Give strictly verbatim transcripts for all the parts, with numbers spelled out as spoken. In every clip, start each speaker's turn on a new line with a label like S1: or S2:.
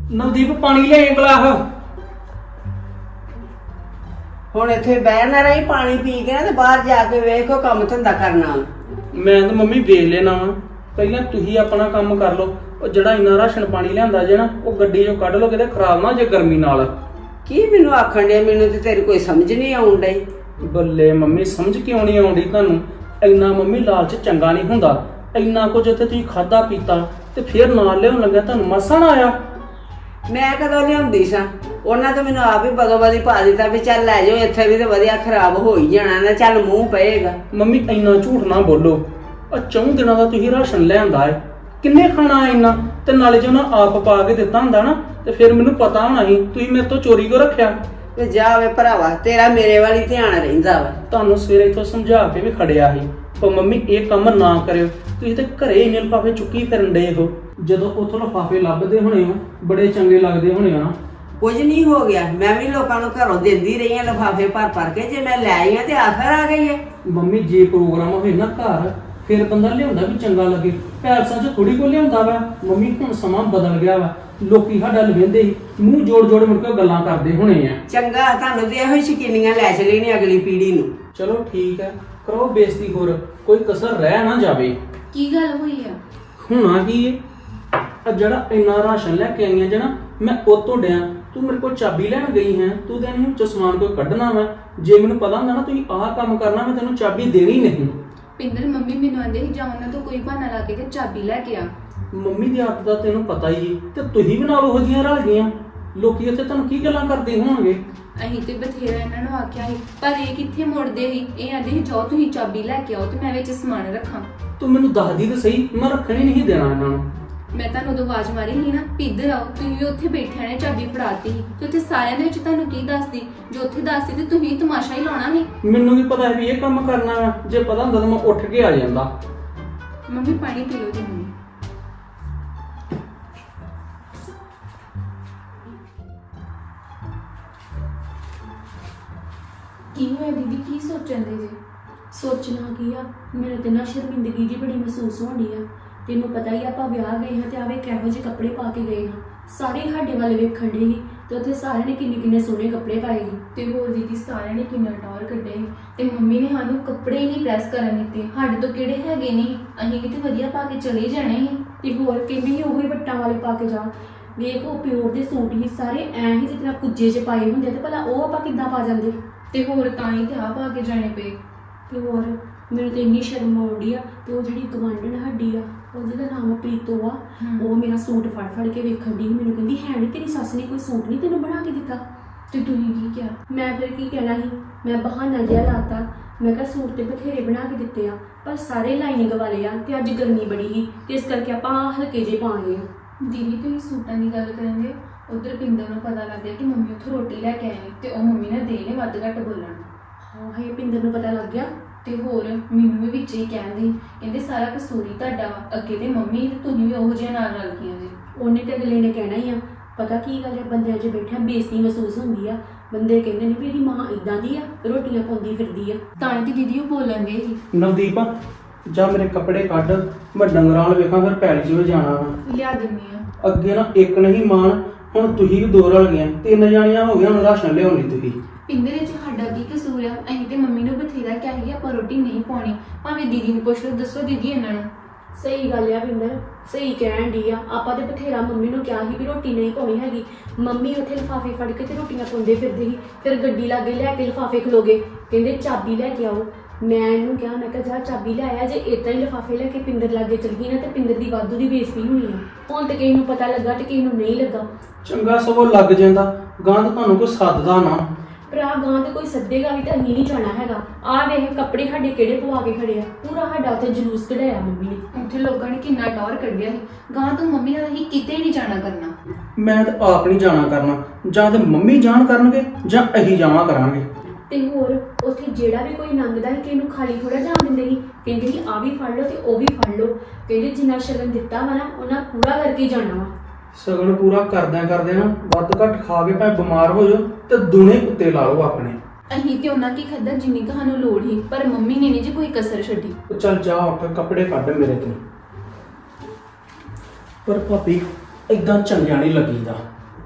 S1: ਨਵਦੀਪ ਪਾਣੀ ਲੈ ਗਲਾਸ।
S2: ਹੁਣ ਇੱਥੇ ਬਹਿਣ ਨਾ ਰਹੀ, ਪਾਣੀ ਪੀ ਕੇ ਨਾ ਤੇ ਬਾਹਰ ਜਾ ਕੇ ਵੇਖੋ ਕੰਮ ਧੰਦਾ ਕਰਨਾ।
S1: ਮੈਂ ਤਾਂ ਮੰਮੀ ਵੇਖ ਲੈਣਾ ਵਾ, ਪਹਿਲਾਂ ਤੁਸੀਂ ਆਪਣਾ ਕੰਮ ਕਰ ਲਓ। ਉਹ ਜਿਹੜਾ ਇੰਨਾ ਰਾਸ਼ਨ ਪਾਣੀ ਲਿਆਂਦਾ ਜੇ ਨਾ, ਉਹ ਗੱਡੀ ਚੋਂ ਕੱਢ ਲਓ, ਕਿਤੇ ਖਰਾਬ ਨਾ ਜੇ ਗਰਮੀ ਨਾਲ।
S2: ਕੀ ਮੈਨੂੰ ਆਖਣ ਡਿਆ? ਮੈਨੂੰ ਤੇ ਤੇਰੀ ਕੋਈ ਸਮਝ ਨਹੀਂ ਆਉਣ ਡਈ।
S1: ਬੱਲੇ ਮੰਮੀ, ਸਮਝ ਕਿਉਂ ਨਹੀਂ ਆਉਂਦੀ ਤੁਹਾਨੂੰ? ਇੰਨਾ ਮੰਮੀ ਲਾਲਚ ਚੰਗਾ ਨਹੀਂ ਹੁੰਦਾ। ਇੰਨਾ ਕੁਝ ਉੱਥੇ ਤੁਸੀਂ ਖਾਦਾ ਪੀਤਾ ਤੇ ਫਿਰ ਨਾਲ ਲਿਆਉਣ ਲੱਗਾ, ਤੁਹਾਨੂੰ ਮਸਾ ਨਾ ਆਇਆ?
S2: ਮੈਂ ਕਦੋਂ ਲਿਆਉਂਦੀ ਸਾਂ? ਉਹਨਾਂ ਤਾਂ ਮੈਨੂੰ ਆਪ ਹੀ ਬਦੋ ਬਦੀ ਪਾ ਦਿੱਤਾ ਵੀ ਚੱਲ ਲੈ ਜਾਓ, ਇੱਥੇ ਵੀ ਤੇ ਵਧੀਆ ਖਰਾਬ ਹੋ ਹੀ ਜਾਣਾ ਨਾ, ਚੱਲ ਮੂੰਹ ਪਏਗਾ।
S1: ਮੰਮੀ ਇੰਨਾ ਝੂਠ ਨਾ ਬੋਲੋ। ਆ ਚੌਂ ਦਿਨਾਂ ਦਾ ਤੁਸੀਂ ਰਾਸ਼ਨ ਲਿਆਂਦਾ ਹੈ, ਕਿੰਨੇ ਖਾਣਾ ਇੰਨਾ? ਤੇ ਨਾਲੇ ਜੇ ਉਹਨਾਂ ਆਪ ਪਾ ਕੇ ਦਿੱਤਾ ਹੁੰਦਾ ਨਾ ਤੇ ਫਿਰ ਮੈਨੂੰ ਪਤਾ ਹੋਣਾ ਸੀ। ਤੁਸੀਂ ਮੇਰੇ ਤੋਂ ਚੋਰੀ ਕਿਉਂ ਰੱਖਿਆ?
S2: ਤੇ ਜਾ ਵੇ ਭਰਾਵਾ, ਤੇਰਾ ਮੇਰੇ ਵਾਲੀ ਧਿਆਨ ਰਹਿੰਦਾ ਵਾ।
S1: ਤੁਹਾਨੂੰ ਸਵੇਰੇ ਇੱਥੋਂ ਸਮਝਾ ਕੇ ਵੀ ਖੜਿਆ ਸੀ, ਪਰ ਮੰਮੀ ਇਹ ਕੰਮ ਨਾ ਕਰਿਓ। ਤੁਸੀਂ ਤੇ ਘਰੇ ਇੰਨੇ ਲਿਫਾਫੇ ਚੁੱਕੀ ਫਿਰਨ ਡਏ ਹੋ। ਜਦੋਂ ਉੱਥੋਂ ਲਿਫਾਫੇ ਲੱਭਦੇ ਹੋਣੇ ਹੋ, ਬੜੇ ਚੰਗੇ ਲੱਗਦੇ ਹੋਣੇ ਆ।
S2: ਕੁਝ ਨਹੀਂ ਹੋ ਗਿਆ, ਮੈਂ ਵੀ ਲੋਕਾਂ ਨੂੰ ਘਰੋਂ ਦਿੰਦੀ ਰਹੀ ਆ ਲਿਫਾਫੇ ਭਰ ਭਰ ਕੇ। ਜੇ ਮੈਂ ਲੈ ਆਈ ਆ ਤੇ ਆਖਰ ਆ ਗਈ ਹੈ।
S1: ਮੰਮੀ ਜੇ ਪ੍ਰੋਗਰਾਮ ਹੋਵੇ ਨਾ ਘਰ, ਫਿਰ ਬੰਦਾ ਲਿਆਉਂਦਾ ਵੀ ਚੰਗਾ ਲੱਗੇ। ਪੈਲਸਾਂ 'ਚ ਥੋੜੀ ਕੋ ਲਿਆਉਂਦਾ ਵਾ। ਮੰਮੀ ਹੁਣ ਸਮਾਂ ਬਦਲ ਗਿਆ ਵਾ, ਲੋਕੀ ਸਾਡਾ ਲਵੇਂਦੇ ਹੀ ਮੂੰਹ ਜੋੜ ਜੋੜ ਮੁੜ ਕੇ ਗੱਲਾਂ ਕਰਦੇ ਹੋਣੇ ਆ।
S2: ਚੰਗਾ, ਤੁਹਾਨੂੰ ਤੇ ਇਹੋ ਹੀ ਸ਼ਕੀਨੀਆਂ ਲੈ ਚਲੀ ਨੇ ਅਗਲੀ ਪੀੜ੍ਹੀ ਨੂੰ।
S1: ਚਲੋ ਠੀਕ ਹੈ, ਕਰੋ ਬੇਇੱਜ਼ਤੀ, ਹੋਰ ਕੋਈ ਕਸਰ ਰਹਿ ਨਾ ਜਾਵੇ।
S3: ਕੀ ਗੱਲ ਹੋਈ ਆ?
S1: ਹੁਣਾ ਕੀ ਹੈ? ਆ ਜਿਹੜਾ ਇੰਨਾ ਰਾਸ਼ਨ ਲੈ ਕੇ ਆਈਆਂ ਜਣਾ, ਮੈਂ ਉਹ ਤੋਂ ਡਿਆ। ਤੂੰ ਮੇਰੇ ਕੋਲ ਚਾਬੀ ਲੈਣ ਗਈ ਹੈ, ਤੂੰ ਤਾਂ ਨਹੀਂ ਸਮਾਨ ਕੋਈ ਕੱਢਣਾ ਵਾ। ਜੇ ਮੈਨੂੰ ਪਤਾ ਹੁੰਦਾ ਨਾ ਤੁਸੀਂ ਆਹ ਕੰਮ ਕਰਨਾ, ਮੈਂ ਤੈਨੂੰ ਚਾਬੀ ਦੇਣੀ ਨਹੀਂ।
S3: ਪਿੰਦਰ, ਮੰਮੀ ਮੈਨੂੰ ਆਂਦੇ ਸੀ ਜਾਉਣ ਨਾ ਤੂੰ ਕੋਈ ਬਹਾਨਾ ਲਾ ਕੇ ਤੇ ਚਾਬੀ ਲੈ ਕੇ ਆ।
S1: ਮੰਮੀ ਦੀ ਆਦਤ ਦਾ ਤੈਨੂੰ ਪਤਾ ਹੀ ਹੈ, ਤੇ ਤੁਸੀਂ ਵੀ ਨਾਲ ਉਹੋ ਜਿਹੀਆਂ ਰਲ ਗਈਆਂ। ਲੋਕੀ ਉੱਥੇ ਤੁਹਾਨੂੰ ਕੀ ਗੱਲਾਂ ਕਰਦੇ ਹੋਣਗੇ?
S3: ਅਸੀਂ ਤੇ ਬਥੇਰਾ ਇਹਨਾਂ ਨੂੰ ਆਖਿਆ ਸੀ, ਪਰ ਇਹ ਕਿੱਥੇ ਮੁੜਦੇ ਸੀ। ਇਹ ਆਂਦੇ ਸੀ ਜਾਓ ਤੁਸੀਂ ਚਾਬੀ ਲੈ ਕੇ ਆਓ ਤੇ ਮੈਂ ਵਿੱਚ ਸਮਾਨ ਰੱਖਾਂ।
S1: ਤੂੰ ਮੈਨੂੰ ਦੱਸਦੀ ਤਾਂ ਸਹੀ, ਮੈਂ ਰੱਖਣੀ ਨਹੀਂ ਦੇਣਾ ਇਹਨਾਂ ਨੂੰ।
S3: ਮੈਂ ਤੁਹਾਨੂੰ ਉਦੋਂ ਆਵਾਜ਼ ਮਾਰੀ ਸੀ ਨਾ ਵੀ ਇੱਧਰ ਆਓ, ਤੁਸੀਂ ਵੀ ਉੱਥੇ ਬੈਠਿਆਂ ਨੇ ਚਾਬੀ ਫੜਾਤੀ ਸੀ ਤੇ ਉੱਥੇ ਸਾਰਿਆਂ ਦੇ ਵਿੱਚ ਤੁਹਾਨੂੰ ਕੀ ਦੱਸਦੀ? ਜੋ ਉੱਥੇ ਦੱਸਦੀ ਤੇ ਤੁਸੀਂ ਤਮਾਸ਼ਾ ਹੀ ਲਾਉਣਾ ਸੀ।
S1: ਮੈਨੂੰ ਵੀ ਪਤਾ ਹੈ ਵੀ ਇਹ ਕੰਮ ਕਰਨਾ ਵਾ। ਜੇ ਪਤਾ ਹੁੰਦਾ ਤਾਂ ਮੈਂ ਉੱਠ ਕੇ ਆ ਜਾਂਦਾ।
S3: ਮੰਮੀ ਪਾਣੀ ਪੀ ਲਓ ਜੀ। ਮੰਮੀ ਕੀ ਹੋਇਆ ਦੀਦੀ? ਕੀ ਸੋਚਣ ਦੇ ਜੇ?
S4: ਸੋਚਣਾ ਕੀ ਆ, ਮੈਨੂੰ ਤੇ ਨਾ ਸ਼ਰਮਿੰਦਗੀ ਜੀ ਬੜੀ ਮਹਿਸੂਸ ਹੋਣੀ ਆ। ਤੈਨੂੰ ਪਤਾ ਹੀ ਆ, ਆਪਾਂ ਵਿਆਹ ਗਏ ਹਾਂ ਤੇ ਆਵੇ ਕਿਹੋ ਜਿਹੇ ਕੱਪੜੇ ਪਾ ਕੇ ਗਏ ਹਾਂ। ਸਾਰੇ ਸਾਡੇ ਵੱਲ ਵੇਖਣ ਦੇ ਸੀ ਤੇ ਉੱਥੇ ਸਾਰਿਆਂ ਨੇ ਕਿੰਨੇ ਕਿੰਨੇ ਸੋਹਣੇ ਕੱਪੜੇ ਪਾਏ ਸੀ।
S3: ਤੇ ਹੋਰ ਦੀਦੀ ਸਾਰਿਆਂ ਨੇ ਕਿੰਨਾ ਟੌਰ ਕੱਢਿਆ ਸੀ ਤੇ ਮੰਮੀ ਨੇ ਸਾਨੂੰ ਕੱਪੜੇ ਹੀ ਨਹੀਂ ਪ੍ਰੈਸ ਕਰਨ ਦਿੱਤੇ। ਸਾਡੇ ਤੋਂ ਕਿਹੜੇ ਹੈਗੇ ਨਹੀਂ, ਅਸੀਂ ਵੀ ਤੇ ਵਧੀਆ ਪਾ ਕੇ ਚਲੇ ਜਾਣੇ ਸੀ।
S4: ਤੇ ਹੋਰ ਕਹਿੰਦੇ ਸੀ ਉਹੀ ਵੱਟਾਂ ਵਾਲੇ ਪਾ ਕੇ ਜਾ। ਵੇਖ, ਉਹ ਪਿਓਰ ਦੇ ਸੂਟ ਹੀ ਸਾਰੇ ਐਂ ਹੀ ਜਿਸ ਤਰ੍ਹਾਂ ਕੁੱਜੇ 'ਚ ਪਾਏ ਹੁੰਦੇ, ਤੇ ਭਲਾ ਉਹ ਆਪਾਂ ਕਿੱਦਾਂ ਪਾ ਜਾਂਦੇ?
S3: ਤੇ ਹੋਰ ਤਾਂ ਹੀ ਤੇ ਆ ਪਾ ਕੇ ਜਾਣੇ ਪਏ।
S4: ਤੇ ਹੋਰ ਮੈਨੂੰ ਤੇ ਇੰਨੀ ਸ਼ਰਮ ਆਉਂਦੀ ਆ। ਤੇ ਉਹ ਜਿਹੜੀ ਗਵਾਂਢਣ ਸਾਡੀ ਆ, ਉਹਦਾ ਦਾ ਨਾਮ ਪ੍ਰੀਤੋ ਆ, ਉਹ ਮੇਰਾ ਸੂਟ ਫੜ ਫੜ ਕੇ ਵੇਖਣ ਦੀ ਮੈਨੂੰ ਕਹਿੰਦੀ, ਹੈ ਨਹੀਂ ਤੇਰੀ ਸੱਸ ਨੇ ਕੋਈ ਸੂਟ ਨਹੀਂ ਤੈਨੂੰ ਬਣਾ ਕੇ ਦਿੱਤਾ?
S3: ਤੇ ਤੁਸੀਂ ਕੀ ਕਿਹਾ?
S4: ਮੈਂ ਫਿਰ ਕੀ ਕਹਿਣਾ ਸੀ? ਮੈਂ ਬਹਾਨਾ ਜਿਹਾ ਲਾਤਾ। ਮੈਂ ਕਿਹਾ ਸੂਟ ਤੇ ਬਥੇਰੇ ਬਣਾ ਕੇ ਦਿੱਤੇ ਆ, ਪਰ ਸਾਰੇ ਲਾਈਨਿੰਗ ਵਾਲੇ ਆ ਤੇ ਅੱਜ ਗਰਮੀ ਬੜੀ ਸੀ ਤੇ ਇਸ ਕਰਕੇ ਆਪਾਂ ਹਲਕੇ ਜਿਹੇ ਪਾ ਲਏ ਆ।
S3: ਦੀਦੀ ਤੁਸੀਂ ਸੂਟਾਂ ਦੀ ਗੱਲ ਕਰਾਂਗੇ, ਉਧਰ ਪਿੰਦਰ ਨੂੰ ਪਤਾ ਲੱਗ ਗਿਆ ਕਿ ਮੰਮੀ ਉੱਥੋਂ ਰੋਟੀ ਲੈ ਕੇ ਆਏ ਨੇ ਤੇ ਉਹ ਮੰਮੀ ਨੇ ਦੇ ਨੇ ਵੱਧ ਘੱਟ ਬੋਲਣ।
S4: ਹਾਂ, ਹੈ ਪਿੰਦਰ ਨੂੰ ਪਤਾ ਲੱਗ ਗਿਆ।
S3: ਤੇ ਹੋਰ ਮੈਨੂੰ ਵੀ ਵਿੱਚ ਹੀ ਕਹਿੰਦੇ, ਕਹਿੰਦੇ ਸਾਰਾ ਕਸੂਰ ਹੀ ਤੁਹਾਡਾ ਵਾ। ਅੱਗੇ ਤੇ ਮੰਮੀ ਤੇ ਤੁਸੀਂ ਵੀ ਉਹੋ ਜਿਹਾ ਨਾਲ ਰਲ ਗਈਆਂ ਜੀ।
S4: ਉਹਨੇ ਤੇ ਅਗਲੇ ਨੇ ਕਹਿਣਾ ਹੀ ਆ। ਪਤਾ ਕੀ ਗੱਲ ਹੈ, ਬੰਦਿਆਂ 'ਚ ਬੈਠਿਆ ਬੇਇੱਜ਼ਤੀ ਮਹਿਸੂਸ ਹੁੰਦੀ ਆ। ਬੰਦੇ ਕਹਿੰਦੇ ਨੇ ਵੀ ਇਹਦੀ ਮਾਂ ਇਦਾਂ ਦੀ ਆ, ਰੋਟੀਆਂ ਪਾਉਂਦੀ ਫਿਰਦੀ ਆ।
S3: ਤਾਂ ਹੀ ਤੇ ਦੀਦੀ ਉਹ ਬੋਲਣ ਗਏ ਸੀ।
S1: ਨਵਦੀਪ, ਜਾ ਮੇਰੇ ਕੱਪੜੇ ਕੱਢ, ਮੈਂ ਡੰਗਰਾਂ ਵੱਲ ਵੇਖਾਂ, ਫਿਰ ਪੈਲੀ 'ਚ ਵੀ ਜਾਣਾ ਵਾ।
S3: ਲਿਆ ਦਿੰਦੀ ਆ।
S1: ਅੱਗੇ ਨਾ ਇੱਕ ਨਹੀਂ ਮਾਣ, ਹੁਣ ਤੁਸੀਂ ਵੀ ਦੋ ਰਲ ਗਈਆਂ, ਤਿੰਨ ਜਾਣੀਆਂ ਹੋ ਗਈਆਂ ਹੁਣ ਰਾਸ਼ਨ ਲਿਆਉਣ ਲਈ। ਤੁਸੀਂ
S3: ਪਿੰਦਰ ਵਿੱਚ ਸਾਡਾ ਕੀ ਕਸੂਰ ਆ? ਅਸੀਂ ਤੇ ਮੰਮੀ ਨੂੰ ਬਥੇਰਾ ਕਿਹਾ ਸੀ ਆਪਾਂ ਰੋਟੀ ਨਹੀਂ ਪਾਉਣੀ। ਭਾਵੇਂ ਦੀਦੀ ਨੂੰ ਪੁੱਛ ਲਓ, ਦੱਸੋ ਦੀਦੀ ਇਹਨਾਂ ਨੂੰ।
S4: ਸਹੀ ਗੱਲ ਆ ਪਿੰਦਰ, ਸਹੀ ਕਹਿਣ ਦੀ ਆ। ਆਪਾਂ ਤੇ ਬਥੇਰਾ ਮੰਮੀ ਨੂੰ ਕਿਹਾ ਸੀ ਵੀ ਰੋਟੀ ਨਹੀਂ ਪਾਉਣੀ ਹੈਗੀ। ਮੰਮੀ ਉੱਥੇ ਲਿਫਾਫੇ ਫੜ ਕੇ ਤੇ ਰੋਟੀਆਂ ਪਾਉਂਦੇ ਫਿਰਦੇ ਸੀ। ਫਿਰ ਗੱਡੀ ਲਾਗੇ ਲੈ ਕੇ ਲਿਫਾਫੇ ਖਲੋਗੇ, ਕਹਿੰਦੇ ਚਾਬੀ ਲੈ ਕੇ ਆਓ। ਮੈਂ ਇਹਨੂੰ ਕਿਹਾ, ਮੈਂ ਕਿਹਾ ਜਾ ਚਾਬੀ ਲੈ ਆਇਆ। ਜੇ ਏਦਾਂ ਹੀ ਲਿਫਾਫੇ ਲੈ ਕੇ ਪਿੰਦਰ ਲਾਗੇ ਚਲ ਗਈ ਨਾ ਤੇ ਪਿੰਦਰ ਦੀ ਵਾਧੂ ਦੀ ਬੇਇੱਜ਼ਤੀ ਹੋਣੀ ਆ। ਹੁਣ ਤੇ ਕਿਸੇ ਨੂੰ ਪਤਾ ਲੱਗਾ ਤੇ ਕਿਸੇ ਨੂੰ ਨਹੀਂ ਲੱਗਾ।
S1: ਚੰਗਾ ਸਗੋਂ ਲੱਗ ਜਾਂਦਾ, ਗਾਂ ਤਾਂ ਤੁਹਾਨੂੰ ਕੋਈ ਸੱਦਦਾ ਨਾ।
S4: ਭਰਾ ਗਾਂ ਤੇ ਕੋਈ ਸੱਦੇਗਾ ਵੀ ਤਾਂ ਅਸੀਂ ਨਹੀਂ ਜਾਣਾ ਹੈਗਾ। ਆਹ ਵੇਖ ਕੱਪੜੇ ਸਾਡੇ ਕਿਹੜੇ ਪਵਾ ਕੇ ਖੜੇ ਆ। ਪੂਰਾ ਸਾਡਾ ਉੱਥੇ ਜਲੂਸ ਕਢਾਇਆ ਮੰਮੀ ਨੇ।
S3: ਉੱਥੇ ਲੋਕਾਂ ਨੇ ਕਿੰਨਾ ਟੌਰ ਕੱਢਿਆ ਸੀ। ਗਾਂ ਤੋਂ ਮੰਮੀ ਨਾਲ ਅਸੀਂ ਕਿਤੇ ਨਹੀਂ ਜਾਣਾ ਕਰਨਾ।
S1: ਮੈਂ ਤਾਂ ਆਪ ਨਹੀਂ ਜਾਣਾ ਕਰਨਾ। ਜਾਂ ਤੇ ਮੰਮੀ ਜਾਣ ਕਰਨਗੇ ਜਾਂ ਅਸੀਂ ਜਾਵਾਂ ਕਰਾਂਗੇ।
S4: ਤੇ ਹੋਰ ਉੱਥੇ ਜਿਹੜਾ ਵੀ ਕੋਈ ਲੰਘਦਾ ਸੀ ਕਿ ਇਹਨੂੰ ਖਾਲੀ ਥੋੜਾ ਜਾਣ ਦਿੰਦੇ ਸੀ। ਕਹਿੰਦੇ ਸੀ ਆ ਵੀ ਫੜ ਲਓ ਤੇ ਉਹ ਵੀ ਫੜ ਲਓ। ਕਹਿੰਦੇ ਜਿੰਨਾ ਸ਼ਗਨ ਦਿੱਤਾ ਵਾ ਨਾ ਉਹਨਾਂ ਪੂਰਾ ਕਰਕੇ ਜਾਣਾ ਵਾ।
S1: ਸਗਨ ਪੂਰਾ ਕਰਦਿਆਂ ਕਰਦਿਆਂ ਨਾ ਵੱਧ ਘੱਟ ਖਾ ਕੇ ਭਾਵੇਂ ਬਿਮਾਰ ਹੋ ਜਾਓ ਤੇ ਦੁਨੇ ਕੁੱਤੇ ਲਾ ਲਓ ਆਪਣੇ।
S3: ਅਸੀਂ ਤੇ ਉਹਨਾਂ ਕੀ ਖਾਧਾ ਜਿੰਨੀ ਕੁ ਸਾਨੂੰ ਲੋੜ ਸੀ, ਪਰ ਮੰਮੀ ਨੇ ਨਹੀਂ ਜੀ ਕੋਈ ਕਸਰ ਛੱਡੀ।
S1: ਚੱਲ ਜਾ ਉੱਠ, ਕੱਪੜੇ ਕੱਢ ਮੇਰੇ ਤੋਂ। ਪਰ ਭਾਬੀ ਏਦਾਂ ਚੰਗਿਆ ਨਹੀਂ ਲੱਗੀਦਾ।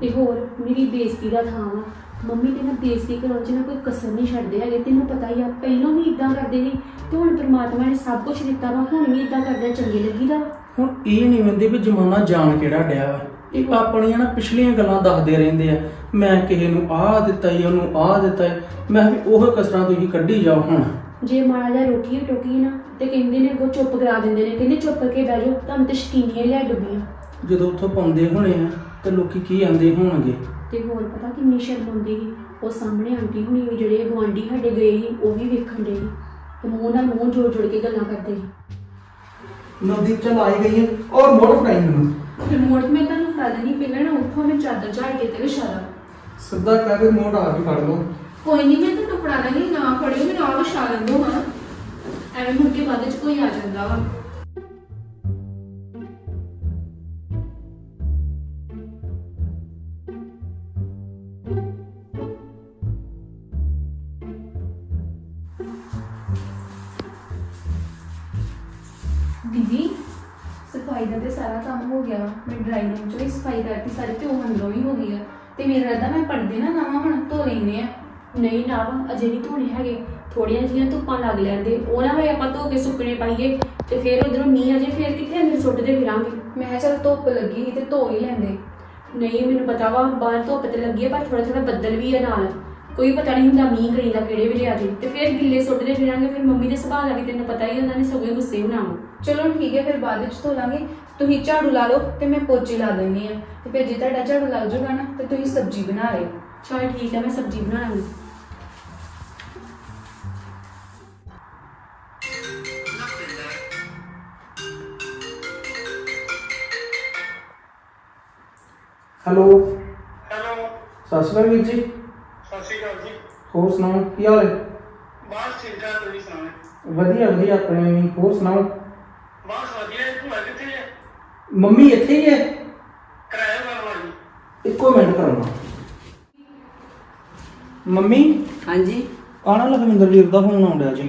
S4: ਤੇ ਹੋਰ ਮੇਰੀ ਬੇਇੱਜ਼ਤੀ ਦਾ ਥਾਂ ਵਾ। ਮੰਮੀ ਤੇ ਨਾ ਬੇਇੱਜ਼ਤੀ ਕਰਾਉਣ 'ਚ ਨਾ ਕੋਈ ਕਸਰ ਨਹੀਂ ਛੱਡਦੇ ਹੈਗੇ। ਤੈਨੂੰ ਪਤਾ ਹੀ ਆ, ਪਹਿਲਾਂ ਵੀ ਇਦਾਂ ਕਰਦੇ ਸੀ ਤੇ ਹੁਣ ਪਰਮਾਤਮਾ ਨੇ ਸਭ ਕੁਝ ਦਿੱਤਾ ਵਾ, ਹੁਣ ਵੀ ਇਦਾਂ ਕਰਦਿਆਂ ਚੰਗੇ ਲੱਗੀਦਾ ਵਾ।
S1: ਹੁਣ ਇਹ ਨਹੀਂ ਵੰਦੇ ਵੀ ਜ਼ਮਾਨਾ ਜਾਣ ਕਿਹੜਾ ਡਿਆ ਵਾ। ਇਹ ਆਪਣੀਆਂ ਨਾ ਪਿਛਲੀਆਂ ਗੱਲਾਂ ਦੱਸਦੇ ਰਹਿੰਦੇ ਆ, ਮੈਂ ਕਿਸੇ ਨੂੰ ਆਹ ਦਿੱਤਾ ਈ, ਉਹਨੂੰ ਆਹ ਦਿੱਤਾ ਈ। ਮੈਂ ਵੀ ਉਹ ਕਸਰਾਂ ਤੁਸੀਂ ਕੱਢੀ ਜਾਓ। ਹੁਣ
S4: ਜੇ ਮਾੜਾ ਜਿਹਾ ਰੋਟੀ ਵੀ ਟੋਕੀ ਨਾ ਤੇ ਕਹਿੰਦੇ ਨੇ ਅੱਗੋਂ ਚੁੱਪ ਕਰਾ ਦਿੰਦੇ ਨੇ, ਕਹਿੰਦੇ ਚੁੱਪ ਕਰਕੇ ਬਹਿ ਜਾਓ, ਤੁਹਾਨੂੰ ਤੇ ਸ਼ਕੀਨੀਆਂ ਲੈ ਡੁੱਬੀਆਂ।
S1: ਜਦੋਂ ਉੱਥੋਂ ਪਾਉਂਦੇ ਹੋਣੇ ਆ ਤੇ ਲੋਕੀ ਕੀ ਆਂਦੇ ਹੋਣਗੇ।
S4: ਤੇ ਹੋਰ ਪਤਾ ਕਿੰਨੀ ਸ਼ਰਮ ਆਉਂਦੀ ਸੀ। ਉਹ ਸਾਹਮਣੇ ਆਂਟੀ ਹੁਣੀ ਵੀ ਜਿਹੜੇ ਗੁਆਂਢੀ ਸਾਡੇ ਗਏ ਸੀ ਉਹ ਵੀ ਵੇਖਣ ਦੇ ਸੀ ਤੇ ਮੂੰਹ ਨਾਲ ਮੂੰਹ ਜੋੜ ਜੋੜ ਕੇ ਗੱਲਾਂ ਕਰਦੇ ਸੀ।
S1: ਨਵਦੀਪ ਚੱਲ ਆਈ ਗਈ ਹੈ ਔਰ ਮੋੜ ਫੜਾਈ ਮੈਨੂੰ।
S3: ਰਿਮੋਟ ਮੈਂ ਤੁਹਾਨੂੰ ਫੜਾ ਦੇਣੀ, ਪਹਿਲਾਂ ਨਾ ਉੱਥੋਂ ਮੈਂ ਚਾਦਰ ਝਾੜ ਕੇ ਤੇ ਵਿਛਾ ਦਾਂ।
S1: ਸਿੱਧਾ ਕਹਿ ਕੇ ਮੋੜ ਆ ਕੇ ਫੜ ਲਓ।
S3: ਕੋਈ ਨਹੀਂ, ਮੈਂ ਤੁਹਾਨੂੰ ਫੜਾ ਦਾਂਗੀ, ਨਾ ਫੜਿਓ, ਮੈਨੂੰ ਆਹ ਵਿਛਾ ਲੈਂਦੋ ਹਾਂ। ਐਵੇਂ ਮੁੜ ਕੇ ਬਾਅਦ ਚ ਕੋਈ ਆ ਜਾਂਦਾ ਵਾ। ਦੀਦੀ ਸਫਾਈ ਦਾ ਤੇ ਸਾਰਾ ਕੰਮ ਹੋ ਗਿਆ। ਮੈਂ ਡਰਾਈਂਗ ਰੂਮ ਚੋਂ ਵੀ ਸਫਾਈ ਕਰਤੀ ਸਾਰੀ, ਤੇ ਉਹ ਅੰਦਰੋਂ ਵੀ ਹੋ ਗਈ ਆ। ਤੇ ਮੇਰਾ ਰੱਦਾ ਮੈਂ ਪੜਦੇ ਨਾ ਨਵਾਂ ਹੁਣ ਧੋ ਲੈਨੇ ਆ।
S4: ਨਹੀਂ ਨਾ ਵਾ, ਅਜੇ ਨਹੀਂ ਧੋਣੇ ਹੈਗੇ, ਥੋੜੀਆਂ ਜਿਹੀਆਂ ਧੁੱਪਾਂ ਲੱਗ ਲੈਂਦੇ, ਉਹ ਨਾ ਹੋਏ ਆਪਾਂ ਧੋ ਕੇ ਸੁੱਕਣੇ ਪਾਈਏ ਤੇ ਫਿਰ ਉਧਰੋਂ ਮੀਂਹ ਆ ਜੇ, ਫਿਰ ਕਿੱਥੇ ਅੰਦਰ ਸੁੱਟਦੇ ਫਿਰਾਂਗੇ।
S3: ਮੈਂ ਕਿਹਾ ਚੱਲ ਧੁੱਪ ਲੱਗੀ ਸੀ ਤੇ ਧੋ ਹੀ ਲੈਂਦੇ।
S4: ਨਹੀਂ ਮੈਨੂੰ ਪਤਾ ਵਾ ਬਾਹਰ ਧੁੱਪ ਤੇ ਲੱਗੀ ਹੈ, ਪਰ ਥੋੜਾ ਥੋੜਾ ਬੱਦਲ ਵੀ ਹੈ ਨਾਲ, ਕੋਈ ਪਤਾ ਨਹੀਂ ਹੁੰਦਾ ਮੀਂਹ ਕਣੀ ਦਾ ਕਿਹੜੇ ਵੇਲੇ ਆ ਜੇ, ਤੇ ਫਿਰ ਗਿੱਲੇ ਸੁੱਟਦੇ ਫਿਰਾਂਗੇ। ਫਿਰ ਮੰਮੀ ਦੇ ਸੁਭਾਅ ਦਾ ਵੀ ਤੈਨੂੰ ਪਤਾ ਹੀ, ਉਹਨਾਂ ਨੇ ਸਗੋਂ ਗੁੱਸੇ ਹੋਣਾ ਵਾ।
S3: ਚਲੋ ਠੀਕ ਹੈ, ਫਿਰ ਬਾਅਦ ਵਿੱਚ ਧੋ ਲਾਂਗੇ। ਤੁਸੀਂ ਝਾੜੂ ਲਾ ਲਓ ਤੇ ਮੈਂ ਪੋਚੇ ਲਾ ਦਿੰਦੀ ਆ। ਤੇ ਫਿਰ ਜੇ ਤੁਹਾਡਾ ਝਾੜੂ ਲੱਗ ਜਾਊਗਾ ਨਾ ਤੇ ਤੁਸੀਂ ਸਬਜ਼ੀ ਬਣਾ ਲਿਓ।
S4: ਚਲ ਠੀਕ ਹੈ, ਮੈਂ ਸਬਜ਼ੀ ਬਣਾ ਲਾਂਗੀ।
S1: ਹੈਲੋ
S5: ਹੈਲੋ,
S1: ਸਤਿ ਸ਼੍ਰੀ ਅਕਾਲ ਵੀਰ ਜੀ।
S5: ਸਤਿ ਸ਼੍ਰੀ ਅਕਾਲ ਜੀ।
S1: ਹੋਰ ਸੁਣਾਓ ਕੀ ਹਾਲ ਹੈ?
S5: ਬਸ ਠੀਕ ਠਾਕ, ਤੁਸੀਂ ਸੁਣਾਓ?
S1: ਵਧੀਆ ਵਧੀਆ ਆਪਣੇ ਵੀ। ਹੋਰ ਸੁਣਾਓ?
S5: ਬਸ ਵਧੀਆ। ਭੂਆ ਕਿੱਥੇ ਹੈ?
S1: ਮੰਮੀ ਇੱਥੇ ਹੀ ਹੈ।
S5: ਕਿਰਾਇਆ ਕਰਨ ਵਾਲੀ।
S1: ਇੱਕੋ ਮਿੰਟ ਕਰਾਉਣਾ। ਮੰਮੀ
S2: ਹਾਂਜੀ
S1: ਆਣਾ ਲਖਵਿੰਦਰ ਵੀਰ ਦਾ ਫੋਨ ਆਉਣ ਡਿਆ ਜੀ।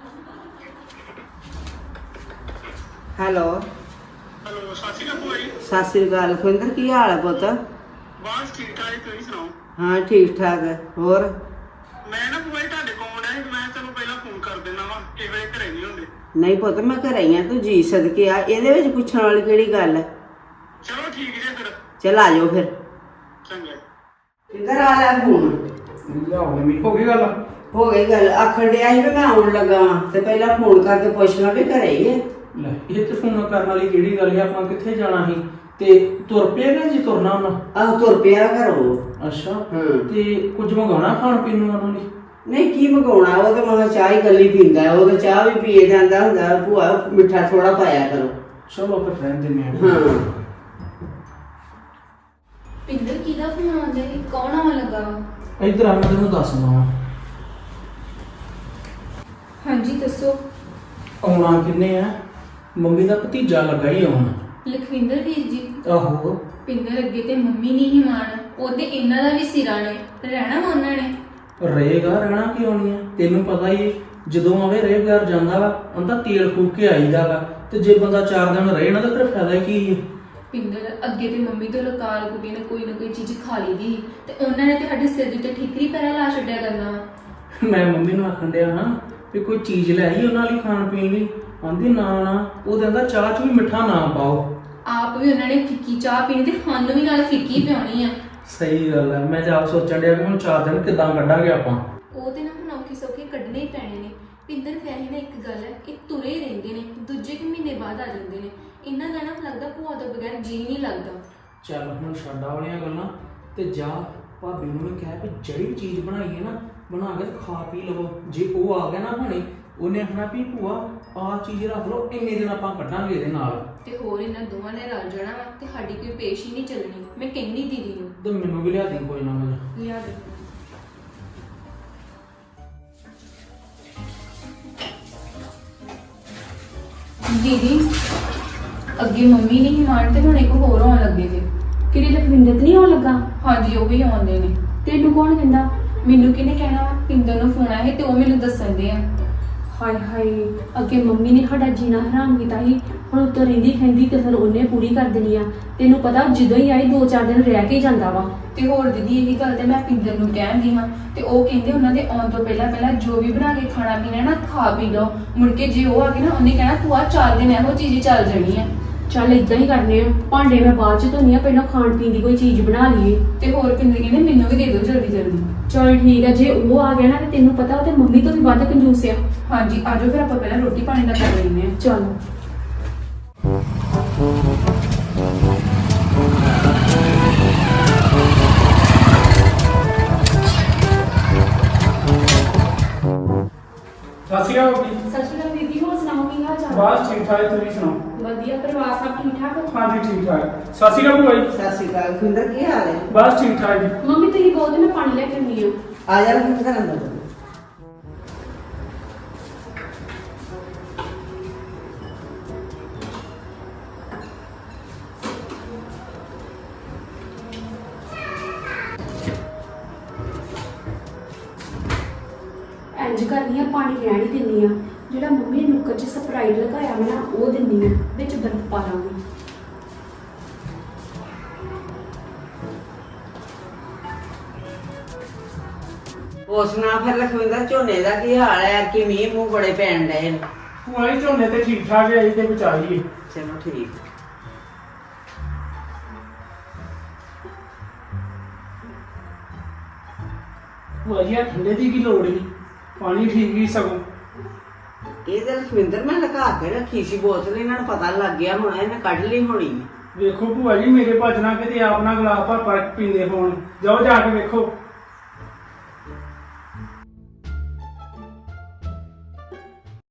S2: ਹੈਲੋ
S5: ਹੈਲੋ, ਸਤਿ ਸ਼੍ਰੀ ਅਕਾਲ ਭੂਆ ਜੀ।
S2: ਸਤਿ ਸ੍ਰੀ ਅਕਾਲ ਖੁੰਦਰ, ਕੀ ਹਾਲ ਹੈ ਪੁੱਤ?
S5: ਬਸ ਠੀਕ ਠਾਕ, ਤੁਸੀਂ ਸੁਣਾਓ?
S2: ਹਾਂ ਠੀਕ ਠਾਕ ਹੈ। ਹੋਰ
S5: ਮੈਂ ਨਾ ਭੂਆ ਜੀ ਤੁਹਾਡੇ ਕੋਲ ਆਉਣਾ ਸੀ, ਮੈਂ ਤੁਹਾਨੂੰ ਪਹਿਲਾਂ ਫੋਨ ਕਰ ਦਿੰਦਾ ਵਾ, ਕਿਸੇ ਵੇਲੇ ਘਰੇ ਨਹੀਂ ਹੁੰਦੇ।
S2: ਨਹੀਂ ਪੁੱਤ ਮੈਂ ਘਰੇ ਹੀ ਆ, ਤੂੰ ਜੀ ਸਦਕੇ ਆ, ਇਹਦੇ ਵਿੱਚ ਪੁੱਛਣ ਵਾਲੀ ਕਿਹੜੀ ਗੱਲ ਹੈ?
S5: ਚਲੋ ਠੀਕ ਜੇ ਫਿਰ।
S2: ਚਲ ਆ ਜਾਓ ਫਿਰ।
S5: ਚੰਗਾ।
S2: ਇੱਧਰ ਆ ਲੈ ਫੋਨ।
S1: ਲਿਆਓ ਮੰਮੀ, ਹੋ ਗਈ ਗੱਲ?
S2: ਹੋ ਗਈ ਗੱਲ, ਆਖਣ ਡਿਆ ਸੀ ਵੀ ਮੈਂ ਆਉਣ ਲੱਗਾ ਵਾਂ, ਤੇ ਪਹਿਲਾਂ ਫੋਨ ਕਰਕੇ ਪੁੱਛਣਾ ਵੀ ਘਰੇ ਹੀ ਹੈ।
S1: ਲੈ ਇਹ ਤੇ ਫੋਨ ਕਰਨ ਵਾਲੀ ਕਿਹੜੀ ਗੱਲ ਹੈ? ਆਪਾਂ ਕਿੱਥੇ ਜਾਣਾ ਸੀ ਤੇ ਤੁਰ ਪਿਆ ਕਿ ਜੀ ਤੁਰਨਾ ਉਹਨਾਂ?
S2: ਆਹ ਤੁਰ ਪਿਆ ਘਰੋਂ।
S1: ਅੱਛਾ
S2: ਹਾਂ।
S1: ਤੇ ਕੁਝ ਮੰਗਾਉਣਾ ਖਾਣ ਪੀਣ ਨੂੰ ਉਹਨਾਂ ਲਈ?
S2: ਨਹੀਂ ਕੀ ਮੰਗਾਉਣਾ, ਉਹ ਤਾਂ ਮਹਾਂ ਚਾਹ ਹੀ ਗੱਲੀ ਪੀਂਦਾ ਹੈ, ਉਹ ਤਾਂ ਚਾਹ ਵੀ ਪੀਏ ਜਾਂਦਾ ਹੁੰਦਾ। ਭੂਆ ਮਿੱਠਾ ਥੋੜਾ ਪਾਇਆ ਕਰੋ।
S1: ਚਲੋ ਫਿਰ ਰਹਿਣ ਦਿੰਦੇ ਹਾਂ।
S2: ਹਾਂ
S3: ਪਿੰਦਰ ਕਿਹਦਾ ਫੋਨ ਆਉਂਦਾ ਹੈ? ਕੌਣ ਆਉਣ ਲੱਗਾ ਵਾ?
S1: ਇੱਧਰ ਆ, ਮੈਂ ਤੈਨੂੰ ਦੱਸਦਾ ਵਾਂ।
S3: ਹਾਂਜੀ ਦੱਸੋ।
S1: ਆਉਣਾ ਕਿੰਨੇ ਆ? ਮੰਮੀ ਦਾ ਭਤੀਜਾ ਲੱਗਾ ਹੀ ਆਉਣ।
S3: ਲਖਵਿੰਦਰ ਵੀਰ ਜੀ।
S1: ਆਹੋ।
S3: ਪਿੰਦਰ ਅੱਗੇ ਤੇ ਮੰਮੀ ਨਹੀਂ ਹੀ ਮਾਣ, ਉਹਦੇ ਇਹਨਾਂ ਦਾ ਵੀ ਸਿਰਾ ਨੇ, ਰਹਿਣਾ ਵਾ ਉਹਨਾਂ ਨੇ।
S1: ਰਹੇਗਾ, ਰਹਿਣਾ ਕਿਉਂ ਨਹੀਂ ਹੈ? ਤੈਨੂੰ ਪਤਾ ਹੀ ਹੈ, ਜਦੋਂ ਆਵੇ ਰੇਹ ਘਰ ਜਾਂਦਾ ਵਾ ਉਹਦਾ ਤੇਲ ਫੂਕ ਕੇ ਆਈਦਾ ਵਾ, ਤੇ ਜੇ ਬੰਦਾ ਚਾਰ ਦਿਨ ਰਹੇ ਨਾ ਤਾਂ ਫਿਰ ਫਾਇਦਾ ਕੀ ਹੈ?
S3: ਪਿੰਦਰ ਅੱਗੇ ਤੇ ਮੰਮੀ ਤੋਂ ਲਕਾਰ ਕੁੜੀ ਨੇ ਕੋਈ ਨਾ ਕੋਈ ਚੀਜ਼ ਖਾ ਲਈ ਦੀ ਸੀ, ਤੇ ਉਹਨਾਂ ਨੇ ਤੇ ਸਾਡੇ ਸਿਰ ਦੇ ਉੱਤੇ ਠੀਕਰੀ ਪੈਰਾ ਲਾ ਛੱਡਿਆ ਕਰਨਾ ਵਾ।
S1: ਮੈਂ ਮੰਮੀ ਨੂੰ ਆਖਣ ਡਿਆ ਹਾਂ ਵੀ ਕੋਈ ਚੀਜ਼ ਲੈ ਆਈ ਉਹਨਾਂ ਲਈ ਖਾਣ ਪੀਣ ਲਈ। ਆਂਦੀ ਨਾ ਨਾ, ਉਹ ਕਹਿੰਦਾ ਚਾਹ ਚ ਵੀ ਮਿੱਠਾ ਨਾ ਪਾਓ।
S3: ਆਪ ਵੀ ਉਹਨਾਂ ਨੇ ਫਿੱਕੀ ਚਾਹ ਪੀਣੀ ਤੇ ਸਾਨੂੰ ਵੀ ਨਾਲ ਫਿੱਕੀ ਪਿਆਉਣੀ ਆ।
S1: ਸਹੀ ਗੱਲ ਹੈ। ਮੈਂ ਤਾਂ ਆਪ ਸੋਚਣ ਡਿਆ ਵੀ ਹੁਣ ਚਾਰ ਦਿਨ ਕਿੱਦਾਂ ਕੱਢਾਂਗੇ ਆਪਾਂ।
S3: ਉਹ ਤੇ ਨਾ ਹੁਣ ਔਖੇ ਸੌਖੇ ਕੱਢਣੇ ਹੀ ਪੈਣੇ ਨੇ। ਪਿੰਦਰ ਵੈਸੇ ਨਾ ਇੱਕ ਗੱਲ ਹੈ, ਇਹ ਤੁਰੇ ਹੀ ਰਹਿੰਦੇ ਨੇ, ਦੂਜੇ ਕੁ ਮਹੀਨੇ ਬਾਅਦ ਆ ਜਾਂਦੇ ਨੇ। ਇਹਨਾਂ ਦਾ ਨਾ ਲੱਗਦਾ ਭੂਆ ਤੋਂ ਬਗੈਰ ਜੀ ਨਹੀਂ ਲੱਗਦਾ।
S1: ਚੱਲ ਹੁਣ ਛੱਡਾ ਵਾਲੀਆਂ ਗੱਲਾਂ ਤੇ ਜਾ ਭਾਬੀ ਨੂੰ ਵੀ ਕਹਿ ਵੀ ਜਿਹੜੀ ਚੀਜ਼ ਬਣਾਈ ਹੈ ਨਾ ਬਣਾ ਕੇ ਖਾ ਪੀ ਲਵੋ। ਜੇ ਉਹ ਆ ਗਿਆ ਨਾ ਹੁਣੇ, ਉਹਨੇ ਆਖਣਾ ਵੀ ਭੂਆ ਆਹ ਚੀਜ਼ ਰੱਖ ਲਓ, ਇੰਨੇ ਦਿਨ ਆਪਾਂ ਕੱਢਾਂਗੇ ਇਹਦੇ ਨਾਲ।
S3: ਤੇ ਹੋਰ ਇਹਨਾਂ ਦੋਵਾਂ ਨੇ ਰਲ ਜਾਣਾ ਵਾ ਤੇ ਸਾਡੀ ਕੋਈ ਪੇਸ਼ ਹੀ ਨਹੀਂ ਚੱਲਣੀ। ਮੈਂ ਕਹਿੰਦੀ ਦੀਦੀ ਨੂੰ
S1: ਤੇ ਮੈਨੂੰ ਵੀ ਲਿਆ ਦੇ ਕੋਈ ਨਾ ਕੁਝ।
S3: ਲਿਆ ਦੇ। ਦੀਦੀ ਅੱਗੇ ਮੰਮੀ ਨਹੀਂ ਮਾਣ ਤੇ ਹੁਣ ਇੱਕ ਹੋਰ ਆਉਣ ਲੱਗੇ ਜੇ।
S4: ਕਿਹੜੀ ਲਖਵਿੰਦਰ ਤੇ ਨਹੀਂ ਆਉਣ ਲੱਗਾ?
S3: ਹਾਂਜੀ ਉਹ ਵੀ ਆਉਂਦੇ ਨੇ।
S4: ਤੈਨੂੰ ਕੌਣ ਕਹਿੰਦਾ?
S3: ਮੈਨੂੰ ਕਿਹਨੇ ਕਹਿਣਾ ਵਾ? ਪਿੰਦਰ ਨੂੰ ਫੋਨ ਆਇਆ ਸੀ ਤੇ ਉਹ ਮੈਨੂੰ ਦੱਸਣ ਦੇ ਆ।
S4: ਹਾਏ ਹਾਏ, ਅੱਗੇ ਮੰਮੀ ਨੇ ਸਾਡਾ ਜੀਣਾ ਹਰਾਮ ਕੀਤਾ ਸੀ, ਹੁਣ ਉੱਤੋਂ ਰਹਿੰਦੀ ਖੈਂਦੀ ਕਸਰ ਉਹਨੇ ਪੂਰੀ ਕਰ ਦੇਣੀ ਆ। ਤੈਨੂੰ ਪਤਾ ਜਦੋਂ ਹੀ ਆਈ ਦੋ ਚਾਰ ਦਿਨ ਰਹਿ ਕੇ ਹੀ ਜਾਂਦਾ ਵਾ।
S3: ਤੇ ਹੋਰ ਦੀਦੀ ਇਹੀ ਗੱਲ ਤੇ ਮੈਂ ਪਿੰਦਰ ਨੂੰ ਕਹਿੰਦੀ ਹਾਂ ਤੇ ਉਹ ਕਹਿੰਦੇ ਉਹਨਾਂ ਦੇ ਆਉਣ ਤੋਂ ਪਹਿਲਾਂ ਪਹਿਲਾਂ ਜੋ ਵੀ ਬਣਾ ਕੇ ਖਾਣਾ ਪੀਣਾ ਨਾ ਖਾ ਪੀ ਲਓ, ਮੁੜ ਕੇ ਜੇ ਉਹ ਆ ਗਏ ਨਾ ਉਹਨੇ ਕਹਿਣਾ ਤੂੰ ਆ ਚਾਰ ਦਿਨ ਇਹੋ ਚੀਜ਼ ਚੱਲ ਜਾਣੀ ਆ।
S4: ਚੱਲ ਇਦਾਂ ਹੀ ਕਰਨੇ ਆ, ਭਾਂਡੇ ਮੈਂ ਬਾਅਦ ਚ ਧੋਨੀ ਆ, ਪਹਿਲਾਂ ਖਾਣ ਪੀਣ ਦੀ ਕੋਈ ਚੀਜ਼ ਬਣਾ ਲਈਏ।
S3: ਤੇ ਹੋਰ ਪਿੰਦਰ ਕਹਿੰਦੇ ਮੈਨੂੰ ਵੀ ਦੇ ਦਿਓ ਜਲਦੀ ਜਲਦੀ।
S4: ਚੱਲ ਠੀਕ ਆ, ਜੇ ਉਹ ਆ ਗਿਆ ਨਾ ਤੇ ਤੈਨੂੰ ਪਤਾ ਉਹ ਤੇ ਮੰਮੀ ਤੋਂ ਵੀ ਵੱਧ ਕੰਜੂਸ ਆ।
S3: ਹਾਂਜੀ ਆਜੋ ਫਿਰ ਆਪਾਂ ਪਹਿਲਾਂ ਰੋਟੀ ਪਾਣੀ ਦਾ ਕਰ ਲੈਂਦੇ ਹਾਂ।
S4: ਚਲ
S6: ਸਤਿ ਸ਼੍ਰੀ ਅਕਾਲ ਜੀ।
S4: ਸਤਿ ਸ਼੍ਰੀ ਅਕਾਲ ਦੀਦੀ, ਹੋਰ ਸੁਣਾਓ ਕੀ ਹਾਲ ਚਾਲ?
S6: ਬਸ ਠੀਕ ਠਾਕ, ਤੁਸੀਂ ਸੁਣਾਓ?
S4: ਵਧੀਆ, ਪਰਿਵਾਰ ਸਭ ਠੀਕ ਠਾਕ?
S6: ਹਾਂਜੀ ਠੀਕ ਠਾਕ। ਸਤਿ ਸ਼੍ਰੀ ਅਕਾਲ ਭੂਆ ਜੀ।
S2: ਸਤਿ ਸ਼੍ਰੀ ਅਕਾਲ ਖਿੰਦਰ, ਕੀ ਹਾਲ ਹੈ?
S6: ਬਸ ਠੀਕ ਠਾਕ ਜੀ।
S4: ਮੰਮੀ ਤੁਸੀਂ ਬਹੁਤ ਮੈਂ ਪਾਣੀ ਲੈ ਕੇ ਆਉਂਦੀ ਆ।
S2: ਆ ਜਾ ਖਿੰਦਰ ਅੰਦਰ।
S4: ਇੰਜ ਕਰਨੀ ਆ, ਪਾਣੀ ਰਹਿਣ ਹੀ ਦਿੰਨੀ ਆ। ਜਿਹੜਾ ਮੰਮੀ ਨੇ ਨੁੱਕਰ 'ਚ ਸਪਰਾਈਟ ਲਗਾਇਆ ਵਾ ਨਾ ਉਹ ਦਿੰਨੀ ਆ, ਵਿੱਚ ਬਰਫ਼ ਪਾ ਲਾਂਗੀ।
S2: ਹੋਰ ਸੁਣਾ ਫਿਰ ਲਖਵਿੰਦਰ, ਝੋਨੇ ਦਾ ਕੀ ਹਾਲ ਹੈ? ਕਿ ਮੀਂਹ ਮੂੰਹ ਬੜੇ ਪੈਣ ਡਏ ਨੇ।
S6: ਭੂਆ ਜੀ ਝੋਨੇ ਤੇ ਠੀਕ ਠਾਕ ਹੈ, ਤੇ ਬਚਾਈਏ।
S2: ਚਲੋ ਠੀਕ।
S6: ਭੂਆ ਜੀ ਆਹ ਠੰਡੇ ਦੀ ਕੀ ਲੋੜ ਸੀ, ਪਾਣੀ ਠੀਕ ਹੀ ਸਗੋਂ।
S2: ਇਹ ਤੇ ਲਖਵਿੰਦਰ ਮੈਂ ਲਗਾ ਕੇ ਰੱਖੀ ਸੀ ਬੋਤਲ, ਇਹਨਾਂ ਨੂੰ ਪਤਾ ਲੱਗ ਗਿਆ ਹੋਣਾ, ਇਹਨੇ ਕੱਢ ਲਈ ਹੋਣੀ।
S6: ਵੇਖੋ ਭੂਆ ਜੀ ਮੇਰੇ ਭੱਜਣਾ ਕਿਤੇ ਆਪ ਨਾ ਗਲਾਸ ਭਰ ਭਰ ਕੇ ਪੀਂਦੇ ਹੋਣ। ਜਾਓ ਜਾ ਕੇ ਵੇਖੋ।